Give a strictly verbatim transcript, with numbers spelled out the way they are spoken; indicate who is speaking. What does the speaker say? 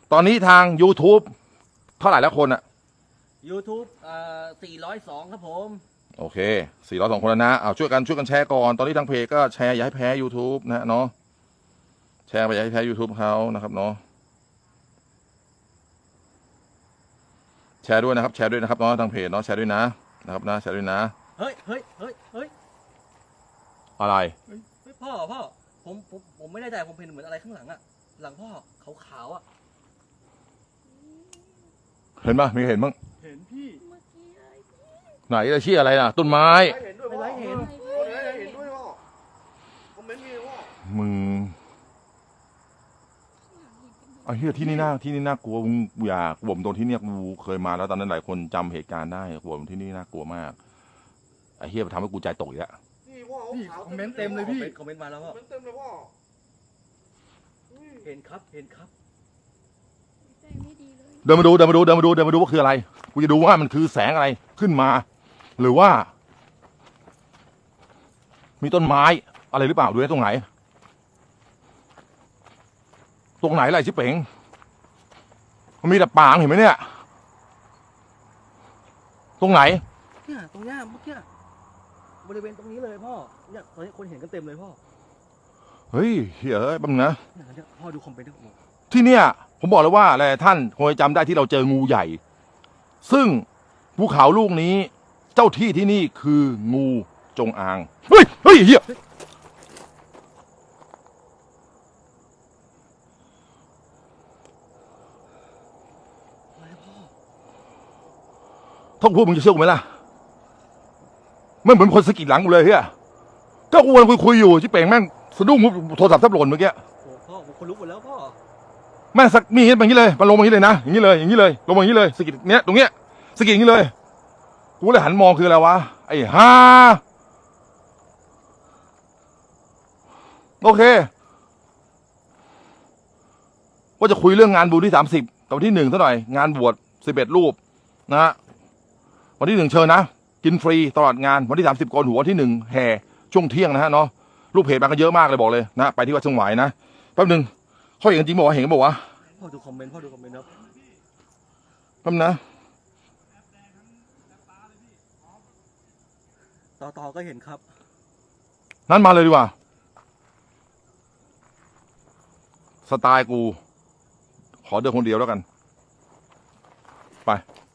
Speaker 1: ตอนนี้ทาง YouTube เท่าไหร่แล้วคนอะ
Speaker 2: YouTube เอ่อสี่ร้อยสองครับผม
Speaker 1: โอเคสี่ร้อยสองคนแล้วนะเอาช่วยกันช่วยกันแชร์ก่อนตอนนี้ทางเพจก็แชร์อย่าให้แพ้ YouTube นะเนาะแชร์ไปอย่าให้แพ้ YouTube เขานะครับเนาะแชร์ด้วยนะครับแชร์ด้วยนะครับเนาะทางเพจเนาะแชร์ด้วยนะนะครับนะแชร์ด้วยนะ
Speaker 2: เฮ้ยเฮ้ยเฮ้ยเฮ้ย
Speaker 1: อะไร
Speaker 2: เฮ้ยพ่อพ่อผมผมผมไม่ได้ใจผมเห็นเหมือนอะไรข้างหลังอะหลังพ่อขาวๆอะ
Speaker 1: เห็นปะมีเห็นบ้าง
Speaker 2: เห็นพี่
Speaker 1: ไหนจะชี้อะไรนะต้นไม้
Speaker 2: เห็นด้วยไม่ไรเห็น
Speaker 3: เห็นด้วยพ่อคอมเมนต์มีพ่อ
Speaker 1: มึงไอ้เหี้ยที่นี่น่าที่นี่น่ากลัวมึงอย่ากลัวผมตรงที่เนี่ยกูเคยมาแล้วตอนนั้นหลายคนจำเหตุการณ์ได้กลัวผมที่นี่น่ากลัวมากไอ้เหี้ยทำให้กูใจตกอีกแล้ว
Speaker 3: นี่พ่อ
Speaker 2: พี่คอมเมนต์เต็มเลยพี่คอมเมนต์มาแล้วพ่อ
Speaker 3: คอมเมนต์เต็มเลยพ่อ
Speaker 2: เห็นครับเห็นครับ
Speaker 1: เดินมาดูเดินมาดูเดินมาดูเดินมาดูว่าคืออะไรกูจะดูว่ามันคือแสงอะไรขึ้นมาหรือว่ามีต้นไม้อะไรหรือเปล่าดูได้ตรงไหนตรงไหนอะไรชิเป๋งมันมีแต่ปางเห็นไหมเนี่ยตรงไหน
Speaker 2: เนี่ยตรงเนี้ยเมื่อกี้บริเวณตรงนี้เลยพ่อเนี่ยตอนนี้คนเห็นกันเต็มเลยพ่อ
Speaker 1: เฮ้ยเฮ้ยเอ้ยบังนะ
Speaker 2: เนี่ยพ่อดูคอมเมนต์ผม
Speaker 1: ที่เนี่ยผมบอกเลยว่าอะไรท่านคงจำได้ที่เราเจองูใหญ่ซึ่งภูเขาลูกนี้เจ้าที่ที่นี่คืองูจงอางเฮ้ยเฮ้ยเฮียท่องพูดมึงจะเชื่อกูไหมล่ะไม่เหมือนคนสะกิดหลังกูเลยเฮียก็กูกำลังคุยคุยอยู่ชิเป่งแม่งสะดุ้งโทรศัพท์แทบหล่นเมื่อกี้
Speaker 2: โอ้พ่อผมคนลุกหมดแล้วพ่อ
Speaker 1: แม่สักมีอย่างนี้แบบนี้เลยมันลงมาอย่างนี้เลยนะอย่างนี้เลยอย่างนี้เลยลงมาอย่างนี้เลยสะกิดเนี้ยตรงเนี้ยสะกิดอย่างนี้เลยกูเลยหันมองคืออะไรวะไอ้ฮ่าโอเคว่าจะคุยเรื่องงานบุญที่สามสิบกับวันที่หนึ่งเท่าไหร่งานบวชสิบเอ็ดรูปนะฮะวันที่หนึ่งเชิญนะกินฟรีตลอดงานวันที่สามสิบโกนหัววันที่หนึ่งแห่ช่วงเที่ยงนะฮะเนาะรูปเพจมากันเยอะมากเลยบอกเลยนะไปที่วัดเชียงหวายนะแป๊บนึงเขาเห็นจริงบอกว่าเห็นบอกว่า
Speaker 2: พ่อดูคอมเมนต์พ่อดูคอมเมนต์ครับ
Speaker 1: แป๊บนะ
Speaker 2: ต่อต่อก็เห็นครับ
Speaker 1: นั่นมาเลยดีกว่าสไตล์กูขอเดินคนเดียวแล้วกันไป